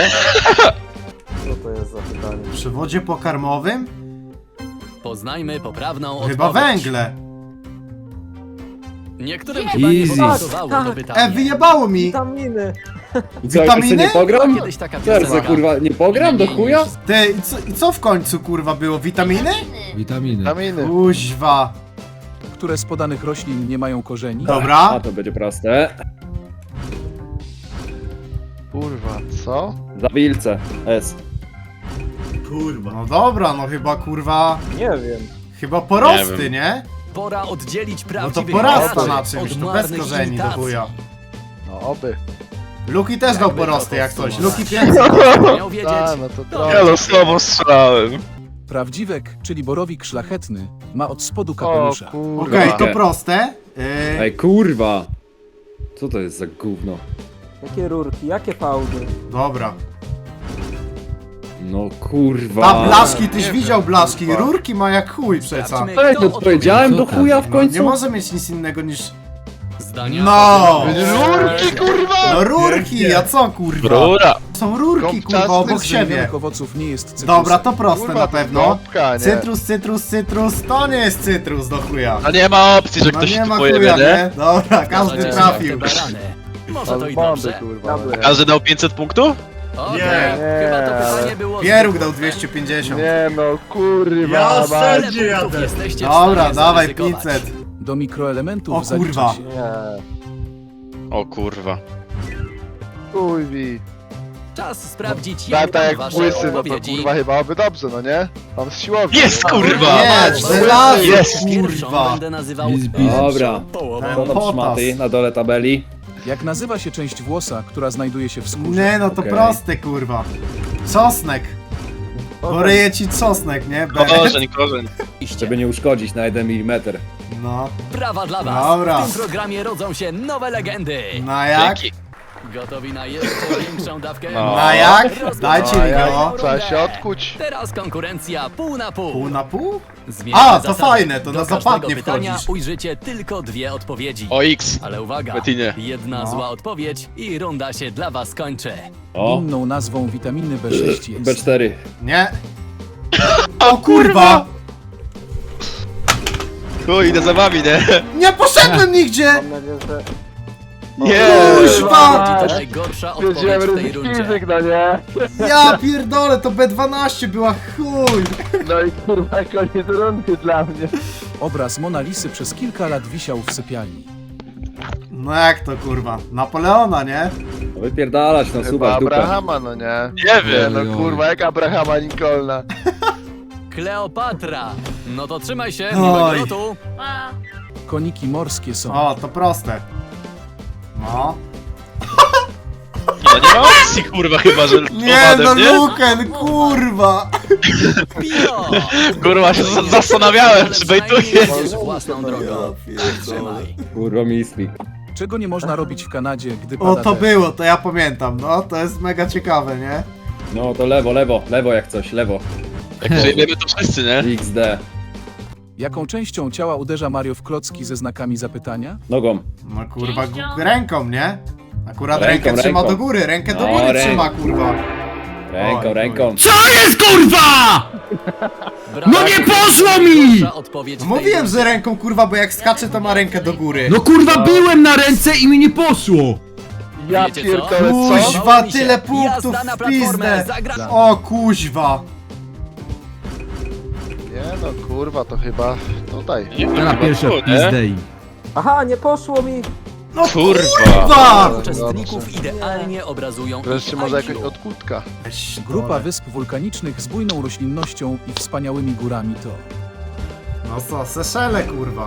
Speaker 1: W przewodzie pokarmowym?
Speaker 9: Poznajmy poprawną
Speaker 1: Chyba
Speaker 9: odpowiedź.
Speaker 1: węgle.
Speaker 9: Niektórym
Speaker 7: Nie.
Speaker 9: chyba nie
Speaker 8: Easy.
Speaker 9: pasowało to
Speaker 1: E,
Speaker 9: pytanie.
Speaker 1: wyjebało mi!
Speaker 2: I co, jak
Speaker 1: Witaminy?
Speaker 2: jeszcze nie pogram?
Speaker 9: Kiedyś taka
Speaker 2: Serce,
Speaker 9: piosenka.
Speaker 2: kurwa, nie pogram do chuja?
Speaker 1: Ty, i co, i co w końcu kurwa było? Witaminy?
Speaker 8: Witaminy.
Speaker 4: Kaminy.
Speaker 1: Kuźwa.
Speaker 10: Które z podanych roślin nie mają korzeni?
Speaker 2: A
Speaker 1: Dobra.
Speaker 2: to będzie proste.
Speaker 4: Kurwa, co?
Speaker 2: Zawilce. S.
Speaker 3: Kurwa.
Speaker 1: No dobra, no chyba kurwa...
Speaker 2: Nie wiem.
Speaker 1: Chyba
Speaker 5: Nie
Speaker 1: porosty,
Speaker 5: wiem.
Speaker 1: nie?
Speaker 9: Pora oddzielić
Speaker 1: No to
Speaker 9: prawdziwych
Speaker 1: porasta
Speaker 9: graczy
Speaker 1: na
Speaker 9: od
Speaker 1: czymś, to bez
Speaker 9: marnych
Speaker 1: korzeni do
Speaker 9: imitacji.
Speaker 1: chuja.
Speaker 4: No oby.
Speaker 1: Luki też dał
Speaker 9: Jakby to
Speaker 1: porosty jak coś.
Speaker 9: podsumować.
Speaker 1: Luki pięćset.
Speaker 9: Miał wiedzieć.
Speaker 4: A, no to
Speaker 9: to
Speaker 4: trochę.
Speaker 5: Ja losowo strzelałem.
Speaker 10: Prawdziwek, czyli borowik szlachetny, ma od spodu
Speaker 4: O
Speaker 10: kapelusza.
Speaker 4: kurwa.
Speaker 1: Okej, to proste. Yy,
Speaker 2: Ej, kurwa. Co to jest za gówno?
Speaker 11: Jakie rurki, jakie fałdy?
Speaker 1: dobra.
Speaker 2: No kurwa.
Speaker 1: Ta blaszki, tyś
Speaker 4: nie
Speaker 1: widział
Speaker 4: wiem,
Speaker 1: blaszki.
Speaker 4: kurwa.
Speaker 1: Rurki ma jak chuj przeca.
Speaker 9: Sprawdźmy,
Speaker 2: Ej,
Speaker 9: kto
Speaker 2: no to powiedziałem do
Speaker 9: odpowiedział.
Speaker 2: chuja w
Speaker 1: No,
Speaker 2: końcu?
Speaker 1: nie może mieć nic innego niż...
Speaker 9: Zdania
Speaker 1: No!
Speaker 4: Rurki, kurwa!
Speaker 1: No rurki, a co kurwa?
Speaker 5: Rura.
Speaker 1: Są rurki kurwa
Speaker 4: Gąbczasty
Speaker 1: obok
Speaker 10: Z
Speaker 1: siebie.
Speaker 10: wymienionych owoców nie jest cytrusem.
Speaker 1: Dobra, to proste
Speaker 4: Kurwa,
Speaker 1: na
Speaker 4: to
Speaker 1: pewno.
Speaker 4: gąbka, nie?
Speaker 1: Cytrus, cytrus, cytrus, to nie jest cytrus do chuja.
Speaker 5: A nie ma opcji, że
Speaker 1: No
Speaker 5: ktoś
Speaker 1: nie
Speaker 5: się
Speaker 1: ma
Speaker 5: tu pojawia,
Speaker 1: chuja,
Speaker 5: nie?
Speaker 1: nie? Dobra, każdy
Speaker 9: Zgadzacie się,
Speaker 1: trafił.
Speaker 9: jak te barany. Może to i
Speaker 4: Albandy,
Speaker 9: dobrze.
Speaker 4: kurwa.
Speaker 11: Dobra.
Speaker 5: Każdy dał pięćset punktów?
Speaker 9: Okej,
Speaker 3: Nie.
Speaker 9: chyba to pytanie było...
Speaker 1: Pieróg
Speaker 9: zbyt
Speaker 1: dał
Speaker 9: łatwe.
Speaker 1: dwieście pięćdziesiąt.
Speaker 4: Nie no, kurwa.
Speaker 3: Ja
Speaker 4: mać.
Speaker 3: ser-
Speaker 9: Ile
Speaker 3: Gdzie
Speaker 9: punktów
Speaker 3: jadę?
Speaker 9: jesteście w
Speaker 1: Dobra,
Speaker 9: stanie
Speaker 1: dawaj
Speaker 9: zaryzykować?
Speaker 1: pięćset.
Speaker 10: Do mikroelementów
Speaker 1: O
Speaker 10: zalicza
Speaker 1: kurwa.
Speaker 10: się
Speaker 5: O kurwa.
Speaker 4: Kurwi.
Speaker 9: Czas sprawdzić, jak
Speaker 4: Tata
Speaker 9: tam
Speaker 4: jak
Speaker 9: wasze
Speaker 4: błysy, no to
Speaker 9: odpowiedzi.
Speaker 4: kurwa chyba oby dobrze, no nie? Mam z siłowni.
Speaker 5: Jest,
Speaker 4: no.
Speaker 5: kurwa!
Speaker 1: Jest, żelazo,
Speaker 5: Jest.
Speaker 9: Pierwszą
Speaker 1: kurwa.
Speaker 9: będę nazywał
Speaker 8: Biz, biz.
Speaker 2: Dobra.
Speaker 9: połową.
Speaker 2: Co tam
Speaker 1: Potas.
Speaker 2: szmaty na dole tabeli?
Speaker 10: Jak nazywa się część włosa, która znajduje się w skórze?
Speaker 1: Nie no, to
Speaker 2: Okej.
Speaker 1: proste kurwa. Czosnek. Boryje ci czosnek, nie? Be-
Speaker 5: Korzeń, korzeń.
Speaker 2: Żeby nie uszkodzić na jeden milimetr.
Speaker 1: No,
Speaker 9: Brawa dla was!
Speaker 1: Dobra.
Speaker 9: W tym programie rodzą się nowe legendy!
Speaker 1: na jak?
Speaker 5: Dzięki.
Speaker 9: Gotowi na jeszcze większą dawkę?
Speaker 5: No.
Speaker 1: Na jak?
Speaker 9: Rozpoczynamy
Speaker 1: Dajcie
Speaker 4: No,
Speaker 1: mi
Speaker 4: jak
Speaker 1: go.
Speaker 4: trzeba się odkuć.
Speaker 9: Teraz konkurencja pół na pół.
Speaker 1: Pół na pół?
Speaker 9: Zmieńmy
Speaker 1: A, to
Speaker 9: zasady.
Speaker 1: fajne, to
Speaker 9: Do
Speaker 1: na
Speaker 9: każdego
Speaker 1: zapadnie
Speaker 9: pytania
Speaker 1: wchodzisz.
Speaker 9: ujrzycie tylko dwie odpowiedzi.
Speaker 5: O X.
Speaker 9: Ale uwaga,
Speaker 5: Betinie.
Speaker 9: jedna
Speaker 1: No.
Speaker 9: zła odpowiedź i runda się dla was kończy.
Speaker 2: O,
Speaker 10: Inną nazwą witaminy B sześć jest.
Speaker 2: B cztery.
Speaker 1: Nie. O kurwa!
Speaker 5: Chuj, idę za wami, nie?
Speaker 1: Nie poszedłem nigdzie!
Speaker 11: Mam nadzieję, że...
Speaker 5: Nie!
Speaker 1: Kuźwa!
Speaker 9: To najgorsza odpowiedź
Speaker 4: Wiedziałem
Speaker 9: w tej
Speaker 4: ryzyk
Speaker 9: rundzie.
Speaker 4: fizyk, no nie?
Speaker 1: Ja pierdolę, to B dwanaście była chuj!
Speaker 4: No i kurwa koniec rundy dla mnie.
Speaker 10: Obraz Mona Lisy przez kilka lat wisiał w sypialni.
Speaker 1: No jak to kurwa? Napoleona, nie?
Speaker 2: No wypierdalać, no
Speaker 4: Chyba
Speaker 2: suwać dupę.
Speaker 4: Abrahama, no nie?
Speaker 5: Nie wiem.
Speaker 4: Nie no kurwa, jak Abrahama Lincolna.
Speaker 9: Kleopatra! No to trzymaj się,
Speaker 1: Oj.
Speaker 9: miłego lotu!
Speaker 7: A,
Speaker 10: Koniki morskie są.
Speaker 1: O, to proste. No.
Speaker 5: No nie ma opcji, kurwa, chyba, że
Speaker 1: Nie no,
Speaker 5: owadem, nie?
Speaker 1: Luken, kurwa!
Speaker 9: Pio!
Speaker 5: Kurwa, się z- zastanawiałem, czy bejtuję.
Speaker 9: Idziesz własną drogą. Trzymaj.
Speaker 2: Kurwa misli.
Speaker 10: Czego nie można robić w Kanadzie, gdy
Speaker 1: O,
Speaker 10: pada
Speaker 1: to
Speaker 10: deszcz?
Speaker 1: było, to ja pamiętam, no, to jest mega ciekawe, nie?
Speaker 2: No to lewo, lewo, lewo jak coś, lewo.
Speaker 5: Jak przyjmiemy to wszyscy, nie?
Speaker 2: X D.
Speaker 10: Jaką częścią ciała uderza Mario w klocki ze znakami zapytania?
Speaker 2: Nogą.
Speaker 1: No kurwa,
Speaker 7: Pięścią.
Speaker 1: gu- ręką, nie? Akurat
Speaker 2: Ręką,
Speaker 1: rękę trzyma
Speaker 2: ręką.
Speaker 1: do góry, rękę do
Speaker 2: No,
Speaker 1: góry
Speaker 2: ręką.
Speaker 1: trzyma, kurwa.
Speaker 2: Ręką,
Speaker 1: Oj,
Speaker 2: ręką.
Speaker 8: Co jest kurwa?! No nie poszło mi!
Speaker 9: Gorsza odpowiedź w tej
Speaker 1: Mówiłem,
Speaker 9: rundzie.
Speaker 1: że ręką kurwa, bo jak skacze to ma rękę do góry.
Speaker 8: No kurwa byłem na ręce i mi nie poszło!
Speaker 4: Ja
Speaker 9: Wiecie co?
Speaker 4: pierdolę, co?
Speaker 1: Kuźwa,
Speaker 9: Podoba mi się.
Speaker 1: tyle punktów
Speaker 9: Jazda na
Speaker 1: w
Speaker 9: platformę,
Speaker 1: pizdę.
Speaker 9: zagra-
Speaker 1: O kuźwa.
Speaker 4: Nie no, kurwa, to chyba... Tutaj.
Speaker 8: Teraz pierwsze pizdej.
Speaker 11: Aha, nie poszło mi!
Speaker 1: No
Speaker 5: Kurwa!
Speaker 1: kurwa!
Speaker 9: Uczestników idealnie obrazują
Speaker 4: Wreszcie
Speaker 9: ich
Speaker 4: może
Speaker 9: I Q.
Speaker 4: jakaś odkutka.
Speaker 1: Weź,
Speaker 10: Grupa
Speaker 1: dole.
Speaker 10: wysp wulkanicznych z bujną roślinnością i wspaniałymi górami to...
Speaker 1: No co, Seszele kurwa.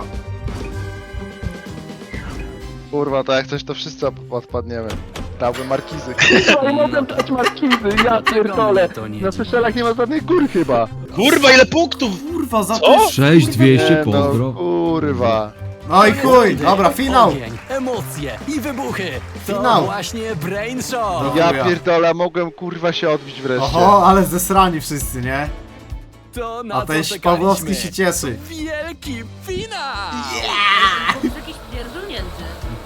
Speaker 4: Kurwa, to jak coś to wszyscy op- odpadniemy. Dałbym markizy. Kurwa, nie mogę dać markizy, ja pierdolę.
Speaker 9: To nie
Speaker 4: Na Seszelach nie ma żadnych gór chyba.
Speaker 5: Kurwa, ile punktów!
Speaker 1: Kurwa, za
Speaker 5: Co?
Speaker 1: to.
Speaker 8: sześć dwieście,
Speaker 4: Nie, no,
Speaker 8: pozdro.
Speaker 4: kurwa.
Speaker 1: No i
Speaker 9: To jest
Speaker 1: chuj,
Speaker 9: wtedy
Speaker 1: dobra, finał.
Speaker 9: Ogień, emocje i wybuchy. To
Speaker 1: Finał.
Speaker 9: właśnie Brain Show.
Speaker 1: No.
Speaker 4: Ja
Speaker 1: Chuja.
Speaker 4: pierdolę, mogłem kurwa się odbić wreszcie.
Speaker 1: Oho, ale zesrani wszyscy, nie?
Speaker 9: To na
Speaker 1: A
Speaker 9: co
Speaker 1: ten
Speaker 9: czekaliśmy?
Speaker 1: Pawłowski się cieszy.
Speaker 9: Wielki finał!
Speaker 7: To jest jakiś pierdolnięty.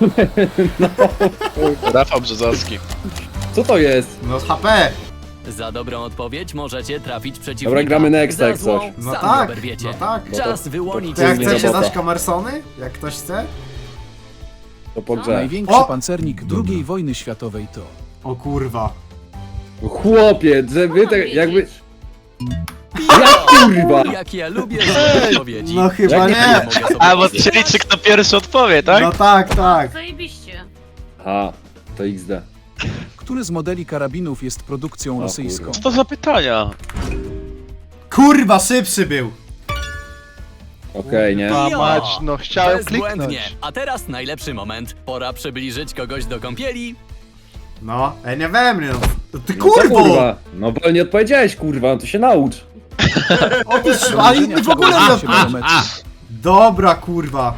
Speaker 5: Rafał Brzozowski.
Speaker 2: Co to jest?
Speaker 1: No H P.
Speaker 9: Za dobrą odpowiedź możecie trafić przeciwnika.
Speaker 2: Dobra, gramy next,
Speaker 9: Za
Speaker 2: jak
Speaker 9: złą
Speaker 2: coś.
Speaker 1: No
Speaker 9: sami
Speaker 1: tak,
Speaker 9: oberwiecie.
Speaker 1: no tak.
Speaker 9: Czas wyłonić
Speaker 1: To jak
Speaker 2: Chuj,
Speaker 1: chcecie
Speaker 2: robota.
Speaker 1: dać kamersony? Jak ktoś chce?
Speaker 2: To po grze.
Speaker 10: Największy
Speaker 1: O!
Speaker 10: pancernik drugiej wojny światowej to...
Speaker 1: O kurwa.
Speaker 2: Chłopie, że wy tak jakby...
Speaker 9: Piwo!
Speaker 2: Jak kurwa?
Speaker 9: Jak ja lubię złe odpowiedzi.
Speaker 1: No chyba
Speaker 2: Jak
Speaker 1: nie.
Speaker 9: Mogę sobie
Speaker 5: A, bo
Speaker 9: pozwolić.
Speaker 5: się liczy, kto pierwszy odpowie, tak?
Speaker 1: No tak, tak.
Speaker 7: Zajebiście.
Speaker 2: Aha, to X D.
Speaker 10: Który z modeli karabinów jest produkcją
Speaker 2: O
Speaker 10: rosyjską?
Speaker 2: kurwa.
Speaker 5: Co to za pytania?
Speaker 1: Kurwa, szybszy był.
Speaker 2: Okej, nie?
Speaker 4: A
Speaker 9: Jo!
Speaker 4: mać, no chciałem
Speaker 9: Bezbłędnie.
Speaker 4: kliknąć.
Speaker 9: A teraz najlepszy moment. Pora przybliżyć kogoś do kąpieli.
Speaker 1: No, ej, nie we mnie, no. Ty
Speaker 2: No co,
Speaker 1: kurwo!
Speaker 2: kurwa? No bo nie odpowiedziałeś, kurwa, no to się naucz.
Speaker 1: O ty sz... A inni w ogóle nie
Speaker 10: się
Speaker 1: odpowiedział.
Speaker 10: do meczu.
Speaker 1: Dobra, kurwa.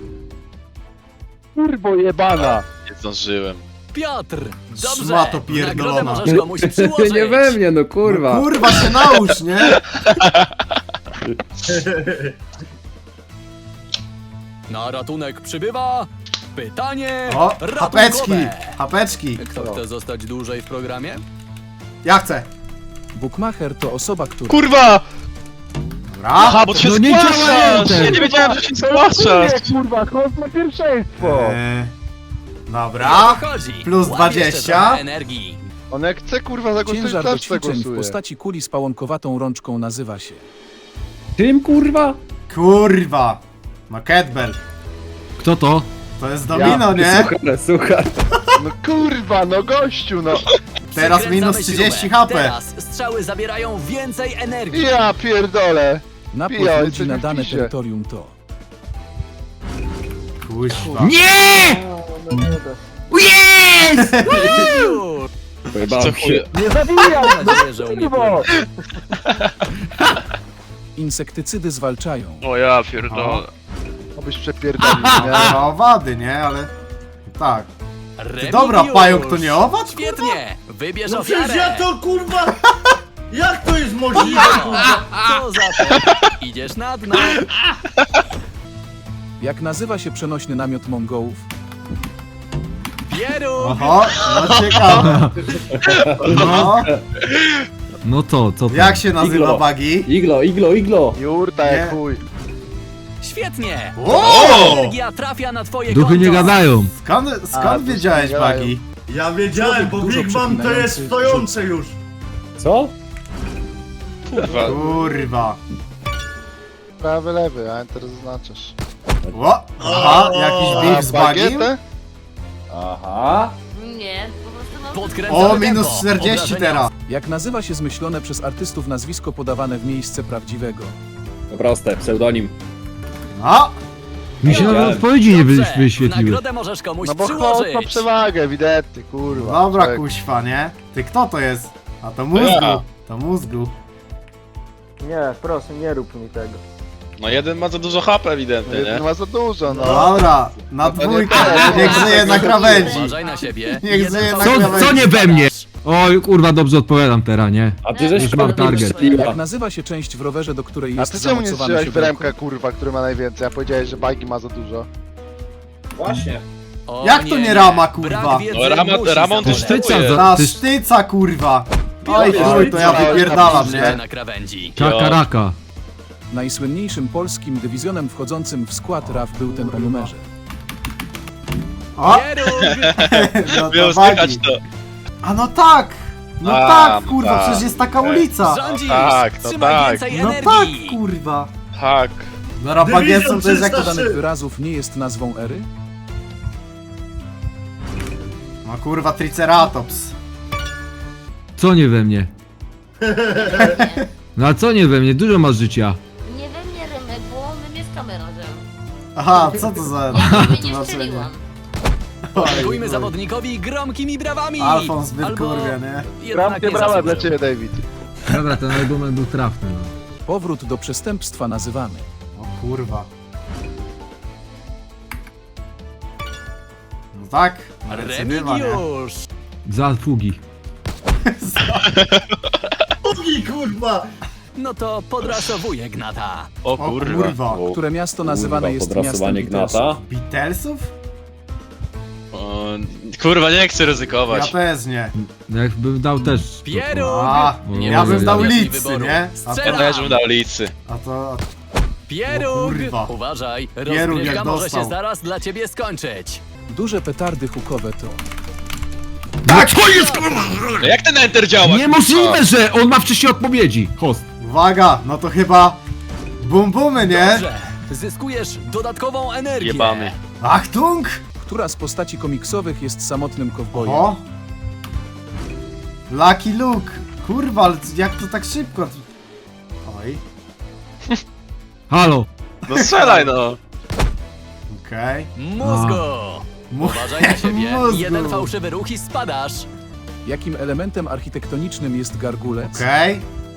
Speaker 4: Kurwo jebana.
Speaker 5: Nie zdążyłem.
Speaker 9: Piotr! Dobrze!
Speaker 1: Szmato
Speaker 9: W nagrodę
Speaker 1: pierdolona.
Speaker 9: możesz komuś przyłożyć.
Speaker 2: Nie we mnie, no kurwa.
Speaker 1: No, kurwa się nałóż, nie?
Speaker 9: Na ratunek przybywa... Pytanie
Speaker 1: O,
Speaker 9: ratunkowe.
Speaker 1: hapeczki, hapeczki.
Speaker 9: Kto chce zostać dłużej w programie?
Speaker 1: Ja chcę.
Speaker 10: Bukmacher to osoba, która...
Speaker 5: Kurwa!
Speaker 1: Dobra.
Speaker 5: Aha, bo ty się
Speaker 8: No nie działa
Speaker 5: zgłaszasz!
Speaker 8: enter.
Speaker 5: Ja nie wiedziałem, że się zgłaszasz!
Speaker 4: Kurwa, chodź na pierwszeństwo.
Speaker 1: Eee,
Speaker 9: O
Speaker 1: dobra.
Speaker 9: co chodzi?
Speaker 1: plus
Speaker 9: Łap
Speaker 1: dwadzieścia.
Speaker 9: jeszcze trochę energii.
Speaker 4: On jak chce kurwa zagłosować,
Speaker 10: Ciężar do
Speaker 4: też
Speaker 10: ćwiczeń w
Speaker 4: zagłosuje.
Speaker 10: postaci kuli z pałonkowatą rączką nazywa się...
Speaker 2: Tym kurwa?
Speaker 1: Kurwa. No kettlebell.
Speaker 8: Kto to?
Speaker 1: To jest domino, nie?
Speaker 2: Słuchaj, słuchaj.
Speaker 4: No kurwa, no gościu, no.
Speaker 1: Teraz
Speaker 9: Przykręcamy
Speaker 1: minus
Speaker 9: śrubę.
Speaker 1: trzydzieści H P.
Speaker 9: Teraz strzały zabierają więcej energii.
Speaker 4: Ja pierdolę.
Speaker 10: Napływ
Speaker 4: Pijaj,
Speaker 10: ludzi
Speaker 4: coś
Speaker 10: na
Speaker 4: mi
Speaker 10: dane
Speaker 4: pisze.
Speaker 10: terytorium to...
Speaker 1: Kuźwa.
Speaker 8: Nie! Jest!
Speaker 9: Już.
Speaker 2: Pojebałem się.
Speaker 4: Nie zabijam!
Speaker 9: Mam nadzieję, że umie pływać.
Speaker 10: Insektycydy zwalczają.
Speaker 5: O ja pierdolę.
Speaker 4: Obyś przepierdolił, nie?
Speaker 1: To owady, nie? Ale... Tak.
Speaker 9: Remigiusz.
Speaker 1: Dobra, pająk to nie owad?
Speaker 9: Świetnie! Wybierz
Speaker 3: No
Speaker 9: ofiarę!
Speaker 3: przecież ja to kurwa... Jak to jest możliwe, kurwa?
Speaker 9: Co za to? Idziesz na dno!
Speaker 10: Jak nazywa się przenośny namiot Mongołów?
Speaker 9: Pieru!
Speaker 1: Oho, no ciekawe. No,
Speaker 8: No to, co to?
Speaker 1: jak się nazywa
Speaker 2: Iglo.
Speaker 1: bagi?
Speaker 2: Iglo, iglo, iglo.
Speaker 4: Jurta
Speaker 1: Nie.
Speaker 4: jak chuj.
Speaker 9: Świetnie!
Speaker 1: O!
Speaker 9: Energia trafia na twoje
Speaker 8: Duchy
Speaker 9: konto!
Speaker 8: nie gadają.
Speaker 1: Skąd,
Speaker 4: A,
Speaker 1: skąd
Speaker 4: to
Speaker 1: wiedziałeś
Speaker 4: się
Speaker 1: bagi?
Speaker 3: Ja wiedziałem, bo
Speaker 10: Dużo
Speaker 3: Big Mam to jest
Speaker 10: przeklinający
Speaker 3: stojące już.
Speaker 2: Co?
Speaker 5: Kurwa.
Speaker 1: Kurwa.
Speaker 4: Prawy, lewy, a enter zaznaczasz.
Speaker 1: O, aha, jakiś beef z bagiem?
Speaker 4: bagietę?
Speaker 2: Aha.
Speaker 7: Nie, po prostu no...
Speaker 9: Podkręcamy
Speaker 1: O, minus
Speaker 9: tempo.
Speaker 1: czterdzieści
Speaker 9: Obrażenia
Speaker 1: teraz.
Speaker 10: Jak nazywa się zmyślone przez artystów nazwisko podawane w miejsce prawdziwego?
Speaker 2: To proste, pseudonim.
Speaker 1: No,
Speaker 8: Mi się nawet
Speaker 2: Wiedziałem.
Speaker 8: odpowiedzi nie
Speaker 9: Dobrze,
Speaker 8: wy- wyświetliły.
Speaker 9: nagrodę możesz komuś
Speaker 4: No bo chodź
Speaker 9: przyłożyć.
Speaker 4: ma przewagę, ewidentnie, kurwa.
Speaker 1: dobra
Speaker 4: Czek.
Speaker 1: kuźwa, nie? Ty kto to jest? A to mózgu.
Speaker 5: Ja.
Speaker 1: To mózgu.
Speaker 11: Nie, proszę, nie rób mi tego.
Speaker 5: No jeden ma za dużo H P
Speaker 4: No
Speaker 5: ewidentnie,
Speaker 4: jeden
Speaker 5: nie?
Speaker 4: ma za dużo, no.
Speaker 1: Dobra, na
Speaker 4: to nie
Speaker 1: dwójkę.
Speaker 4: tak.
Speaker 1: Niech żyje na krawędzi.
Speaker 9: Uważaj na siebie.
Speaker 1: Niech
Speaker 9: Jeden
Speaker 1: żyje na
Speaker 9: cały-
Speaker 8: Co, co nie we mnie? Oj, kurwa, dobrze odpowiadam teraz, nie?
Speaker 2: A ty żeś
Speaker 8: Już mam
Speaker 2: kurwa
Speaker 8: target.
Speaker 2: strzeliła.
Speaker 10: Jak nazywa się część w rowerze, do której
Speaker 4: A
Speaker 10: jest
Speaker 4: ty czemu nie
Speaker 10: zamocowane
Speaker 4: strzelałeś w
Speaker 10: siodełko?
Speaker 4: remkę, kurwa, który ma najwięcej? A powiedziałeś, że bagi ma za dużo.
Speaker 2: Właśnie.
Speaker 9: O
Speaker 1: Jak to nie rama, kurwa?
Speaker 9: Brak wiedzy
Speaker 5: No, rama-
Speaker 9: musi
Speaker 5: Ramon
Speaker 8: Ty
Speaker 9: zaboleć.
Speaker 8: sztyca za...
Speaker 1: Ta
Speaker 8: Ty,
Speaker 1: sztyca, kurwa. Oj chuj, to ja wypierdalam,
Speaker 9: Życie
Speaker 1: nie?
Speaker 9: na krawędzi.
Speaker 8: Kakaraka.
Speaker 10: Najsłynniejszym polskim dywizjonem w skład R A F był ten o numerze.
Speaker 1: O!
Speaker 9: Pieróg!
Speaker 1: No to
Speaker 5: Miał
Speaker 1: wagi.
Speaker 5: słychać to.
Speaker 1: A no tak! No
Speaker 5: A,
Speaker 1: tak,
Speaker 5: no
Speaker 1: kurwa,
Speaker 5: tak.
Speaker 1: przecież jest taka ulica!
Speaker 9: Rządzisz!
Speaker 5: tak, no
Speaker 9: Trzymaj
Speaker 5: tak.
Speaker 9: więcej
Speaker 1: No tak,
Speaker 9: energii!
Speaker 1: kurwa!
Speaker 5: Tak.
Speaker 1: No rabagiecą to jest jak to
Speaker 10: Danych
Speaker 1: dane...
Speaker 10: wyrazów nie jest nazwą ery?
Speaker 1: No kurwa, Triceratops.
Speaker 8: Co nie we mnie? No a co nie we mnie? Dużo masz życia.
Speaker 7: Nie we mnie Rymek, bo my mieszkamy razem.
Speaker 1: Aha, co to za...
Speaker 7: Ja ciebie nie
Speaker 1: tłumaczenie?
Speaker 7: strzeliłam.
Speaker 9: Podziękujmy zawodnikowi gromkimi brawami!
Speaker 1: Alfons zbyt
Speaker 9: Albo
Speaker 1: kurwia, nie?
Speaker 9: jednak
Speaker 4: Bramkę
Speaker 9: nie
Speaker 4: brała dla
Speaker 9: zasłużył.
Speaker 4: ciebie, David.
Speaker 8: Dobra, ten argument był trafny, no.
Speaker 10: Powrót do przestępstwa nazywamy.
Speaker 1: O kurwa. No tak, recydywa, nie?
Speaker 9: Remigiusz!
Speaker 8: Za fugi.
Speaker 3: Ugi, kurwa!
Speaker 9: No to podrasowuje Gnata.
Speaker 5: O
Speaker 1: O
Speaker 5: kurwa.
Speaker 1: kurwa.
Speaker 10: Które miasto nazywane
Speaker 2: Kurwa,
Speaker 10: jest miastem
Speaker 2: podrasowanie
Speaker 10: Beatlesów?
Speaker 2: Gnata.
Speaker 1: Beatlesów?
Speaker 5: O, kurwa, nie chcę
Speaker 1: Ja
Speaker 5: ryzykować.
Speaker 1: też nie.
Speaker 8: No jakbym dał też...
Speaker 9: Pieróg!
Speaker 1: A,
Speaker 8: Nie
Speaker 1: ja
Speaker 8: mogę
Speaker 1: bym dał
Speaker 8: wybrać
Speaker 1: licy,
Speaker 9: wyboru.
Speaker 1: nie? A
Speaker 9: Strzelam.
Speaker 1: to...
Speaker 5: Też bym dał licy.
Speaker 1: A to...
Speaker 9: Pieróg!
Speaker 1: O kurwa.
Speaker 9: Uważaj,
Speaker 1: Pieróg
Speaker 9: rozgrywka
Speaker 1: jak
Speaker 9: może
Speaker 1: dostał.
Speaker 9: się zaraz dla ciebie skończyć.
Speaker 10: Duże petardy hukowe to...
Speaker 8: Tak! Co jest kurwa?
Speaker 5: No jak ten enter działa?
Speaker 8: Niemożliwe, że on ma wcześniej odpowiedzi. Host.
Speaker 1: Uwaga, no to chyba... Bum bumy, nie?
Speaker 9: Dobrze, zyskujesz dodatkową energię.
Speaker 5: Jebany.
Speaker 1: Achtung!
Speaker 10: Która z postaci komiksowych jest samotnym kowbojem?
Speaker 1: O! Lucky Luke! Kurwa, ale jak to tak szybko? Oj,
Speaker 8: Halo.
Speaker 5: No strzelaj no.
Speaker 1: okej.
Speaker 9: Mózgu!
Speaker 1: Mu-
Speaker 9: Uważaj na siebie.
Speaker 1: Mózgu.
Speaker 9: Jeden fałszywy ruch i spadasz.
Speaker 10: Jakim elementem architektonicznym jest gargulec?
Speaker 1: Okej.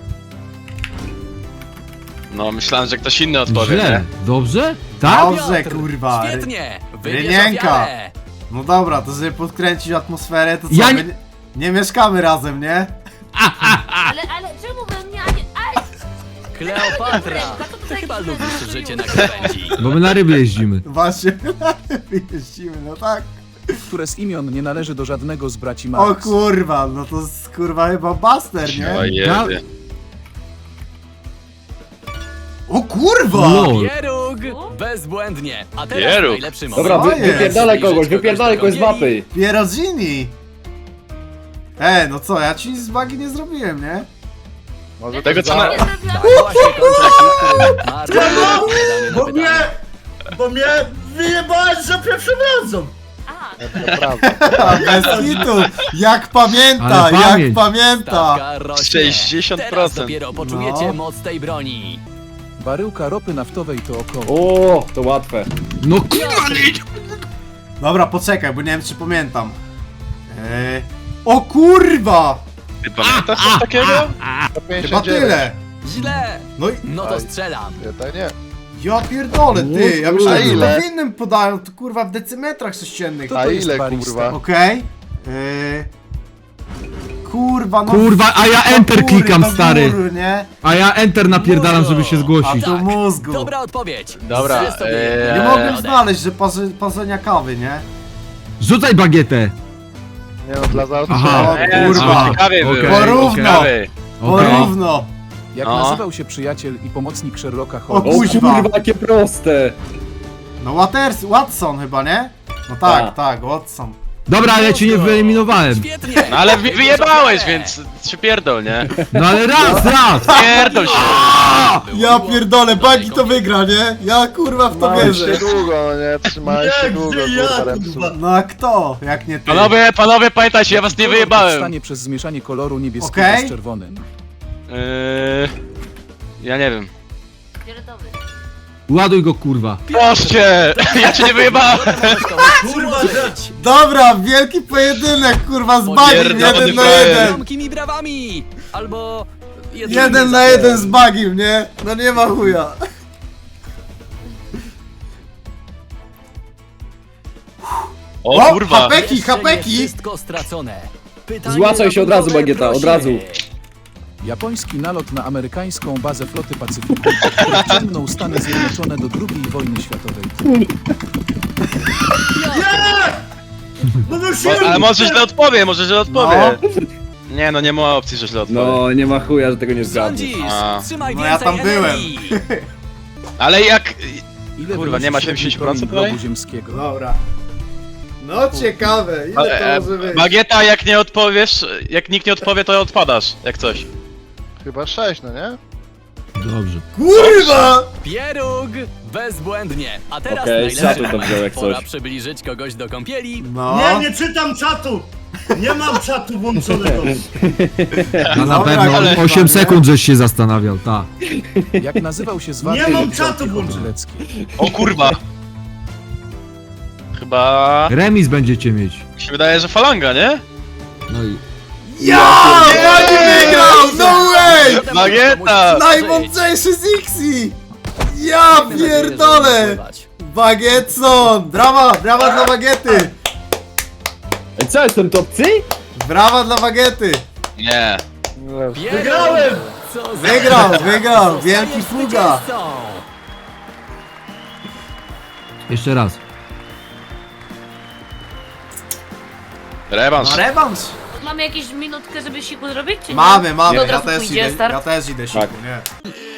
Speaker 5: No myślałem, że ktoś inny odpowie,
Speaker 8: Źle.
Speaker 5: nie?
Speaker 8: Dobrze? Tak?
Speaker 1: Dobrze,
Speaker 9: Piotr,
Speaker 1: kurwa.
Speaker 9: Świetnie! Wybierz
Speaker 1: Rynienka.
Speaker 9: ofiarę.
Speaker 1: No dobra, to żeby podkręcić atmosferę, to co?
Speaker 8: Ja
Speaker 1: my
Speaker 8: nie-
Speaker 1: nie... nie mieszkamy razem, nie?
Speaker 7: Ale, ale czemu we mnie, a nie... Aj!
Speaker 9: Kleopatra!
Speaker 7: Co to
Speaker 9: Ty
Speaker 7: za
Speaker 9: chyba
Speaker 7: jakiś
Speaker 9: lubisz
Speaker 7: mecz
Speaker 9: życie
Speaker 7: zrobił?
Speaker 9: na krawędzi.
Speaker 8: Bo my na ryby jeździmy.
Speaker 1: Właśnie, jeździmy, no tak.
Speaker 10: Które z imion nie należy do żadnego z braci
Speaker 1: O
Speaker 10: Marx?
Speaker 1: kurwa, no to jest kurwa chyba Buster,
Speaker 5: O
Speaker 1: nie?
Speaker 5: jedy.
Speaker 1: O kurwa!
Speaker 8: Lol.
Speaker 9: Pieróg! Bezbłędnie! A teraz
Speaker 5: Pieróg.
Speaker 9: najlepszy moment.
Speaker 2: Dobra, wy,
Speaker 1: jest?
Speaker 2: wypierdalaj kogoś, wypierdalaj kogoś z mapy.
Speaker 1: Pierodzini! E, no co, ja ci nic z bagi nie zrobiłem, nie?
Speaker 5: Może tego co na...
Speaker 7: Nie zrobiłam.
Speaker 9: Tak właśnie kończy się, który ma odpowiadanie na
Speaker 3: Bo mnie...
Speaker 9: pytanie.
Speaker 3: Bo mnie wyjebałeś za pierwszym razem!
Speaker 7: Aha,
Speaker 1: A, bez hitu! Jak pamięta,
Speaker 8: Ale
Speaker 1: jak
Speaker 8: pamięć.
Speaker 1: pamięta!
Speaker 9: Stawka rośnie.
Speaker 5: sześćdziesiąt procent.
Speaker 9: Teraz dopiero poczujecie
Speaker 1: No.
Speaker 9: moc tej broni.
Speaker 10: Baryłka ropy naftowej to około...
Speaker 2: O, to łatwe.
Speaker 8: No kurwa nie.
Speaker 1: Dobra, poczekaj, bo nie wiem czy pamiętam. Eee... O kurwa!
Speaker 5: Ty pamiętasz coś takiego?
Speaker 1: Chyba tyle!
Speaker 9: Źle!
Speaker 1: No i...
Speaker 9: No to strzelam.
Speaker 4: Ja to nie.
Speaker 1: Ja pierdolę, ty! Ja myślałem, że
Speaker 4: ile?
Speaker 1: to w innym podają, to kurwa w decymetrach sześciennych.
Speaker 10: To
Speaker 4: A
Speaker 10: to jest
Speaker 4: ile
Speaker 10: barista.
Speaker 4: kurwa?
Speaker 1: Okej. Eee... Kurwa, no...
Speaker 8: Kurwa, a ja
Speaker 1: do
Speaker 8: enter
Speaker 1: góry,
Speaker 8: klikam,
Speaker 1: do
Speaker 8: stary.
Speaker 1: Góry, nie?
Speaker 8: A ja enter napierdalam, żeby się
Speaker 1: A
Speaker 8: zgłosić.
Speaker 1: to mózgu.
Speaker 9: Dobra odpowiedź.
Speaker 5: Dobra,
Speaker 9: Zrób sobie
Speaker 5: eee,
Speaker 9: jedną
Speaker 1: Nie
Speaker 5: Eee,
Speaker 1: mogłem
Speaker 9: wodę.
Speaker 1: znaleźć, że parzy, parzenia kawy, nie?
Speaker 8: Rzucaj bagietę.
Speaker 4: Nie no, dla
Speaker 1: Aha.
Speaker 4: zaostrzenia.
Speaker 1: O
Speaker 5: Eee,
Speaker 1: kurwa.
Speaker 5: ciekawie
Speaker 8: Okej,
Speaker 5: było.
Speaker 1: Porówno.
Speaker 5: Ciekawy.
Speaker 8: Okej.
Speaker 1: Porówno!
Speaker 10: Jak
Speaker 5: No.
Speaker 10: nazywał się przyjaciel i pomocnik Sherlocka
Speaker 1: O
Speaker 10: Holmesa?
Speaker 2: O
Speaker 1: kuźwa.
Speaker 2: kurwa, jakie proste.
Speaker 1: No Waters, Watson chyba, nie? No tak,
Speaker 2: Tak.
Speaker 1: tak, Watson.
Speaker 8: Dobra, ale ja cię nie wyeliminowałem.
Speaker 9: Świetnie!
Speaker 5: No ale wy- wyjebałeś, więc się pierdol, nie?
Speaker 8: No ale raz, raz.
Speaker 5: Pierdol się.
Speaker 1: Ja pierdolę, Bagi to wygra, nie? Ja kurwa w to
Speaker 4: Trzymałeś się
Speaker 1: wierzę.
Speaker 4: długo, no nie? Trzymałeś się
Speaker 3: Jak
Speaker 4: długo,
Speaker 3: ty, ja,
Speaker 4: kurwa, Remsu.
Speaker 3: kurwa.
Speaker 1: No a kto? Jak nie ty?
Speaker 5: Panowie, panowie, pamiętajcie, ja was nie
Speaker 10: Kolor
Speaker 5: wyjebałem.
Speaker 10: powstanie przez zmieszanie koloru niebieskiego
Speaker 1: Okej.
Speaker 10: z czerwonym.
Speaker 5: Eee, ja nie wiem.
Speaker 7: fioletowy.
Speaker 8: Ładuj go kurwa.
Speaker 5: Proszę! Ja cię nie wyjebałem!
Speaker 3: Kurwa, że...
Speaker 1: Dobra, wielki pojedynek, kurwa, z Bagim,
Speaker 5: Pierdolony
Speaker 1: jeden na
Speaker 5: frajer.
Speaker 1: jeden.
Speaker 9: Gromkimi brawami! Albo...
Speaker 1: Jeden na jeden z Bagim, nie? No nie ma chuja.
Speaker 5: O
Speaker 1: O,
Speaker 5: kurwa!
Speaker 1: hapeki,
Speaker 9: Jeszcze nie
Speaker 1: hapeki!
Speaker 9: wszystko stracone. Pytanie
Speaker 2: Złacaj się od razu,
Speaker 9: ratunkowe,
Speaker 2: Bagieta, od
Speaker 9: proszę.
Speaker 2: razu.
Speaker 10: Japoński nalot na amerykańską bazę floty Pacyfiku, który wciągnął Stany Zjednoczone do drugiej wojny światowej.
Speaker 3: No
Speaker 5: Mo-
Speaker 3: musimy...
Speaker 5: ale może źle odpowie, może źle odpowie.
Speaker 1: No.
Speaker 5: Nie no, nie ma opcji, że źle odpowiem.
Speaker 2: No, nie ma chuja, że tego nie zgadniesz.
Speaker 9: Sądzisz?
Speaker 5: A.
Speaker 9: Trzymaj
Speaker 1: No
Speaker 9: więcej
Speaker 1: ja tam byłem.
Speaker 9: energii.
Speaker 5: Ale jak...
Speaker 10: Ile
Speaker 5: Kurwa,
Speaker 10: wynosi
Speaker 5: nie ma
Speaker 10: średni
Speaker 5: siedemdziesiąt
Speaker 10: promień
Speaker 5: procent
Speaker 10: globu
Speaker 5: tutaj?
Speaker 10: ziemskiego?
Speaker 1: Dobra. No ciekawe, ile
Speaker 5: Ale, e,
Speaker 1: to może być?
Speaker 5: Bagieta, jak nie odpowiesz, jak nikt nie odpowie, to odpadasz, jak coś.
Speaker 4: Chyba sześć, no nie?
Speaker 8: Dobrze.
Speaker 1: Kurwa!
Speaker 9: Pieróg! Bezbłędnie. A teraz
Speaker 2: Okej,
Speaker 9: najlepszy
Speaker 2: czatu to
Speaker 9: moment.
Speaker 2: wziął jak
Speaker 9: Pora
Speaker 2: coś.
Speaker 9: przybliżyć kogoś do kąpieli.
Speaker 1: No.
Speaker 3: Nie, nie czytam czatu! Nie mam czatu włączonego.
Speaker 8: A na
Speaker 1: Dobra,
Speaker 8: pewno
Speaker 1: ale-
Speaker 8: osiem sekund żeś się zastanawiał, tak.
Speaker 10: Jak nazywał się zwarty
Speaker 3: Nie mam
Speaker 10: lub
Speaker 3: czatu
Speaker 10: żołnierz
Speaker 3: włączonego.
Speaker 10: Żylecki?
Speaker 5: O kurwa! Chyba...
Speaker 8: Remis będziecie mieć.
Speaker 5: Mi się wydaje, że falanga, nie?
Speaker 8: No i...
Speaker 1: Ja! Pani wygrał! No way!
Speaker 5: Bagieta!
Speaker 1: Najmądrzejszy z Ixi! Ja pierdolę! Bagietson! Brawa! Brawa dla Bagiety!
Speaker 2: Ej, co, jestem top C?
Speaker 1: Brawa dla Bagiety!
Speaker 5: Nie.
Speaker 3: Wygrałem!
Speaker 9: Co za...
Speaker 1: Wygrał, wygrał! Wielki
Speaker 9: Zostajesz
Speaker 1: fuga!
Speaker 9: zwycięzcą.
Speaker 8: Jeszcze raz.
Speaker 5: Rewanż.
Speaker 1: No rewanż!
Speaker 7: Mamy jakieś minutkę, żeby siku zrobić, czy nie?
Speaker 1: Mamy, mamy,
Speaker 7: To od
Speaker 1: ja
Speaker 7: razu
Speaker 1: też
Speaker 7: pójdzie,
Speaker 1: idę,
Speaker 7: start?
Speaker 1: ja też idę siku,
Speaker 2: Tak.
Speaker 1: nie?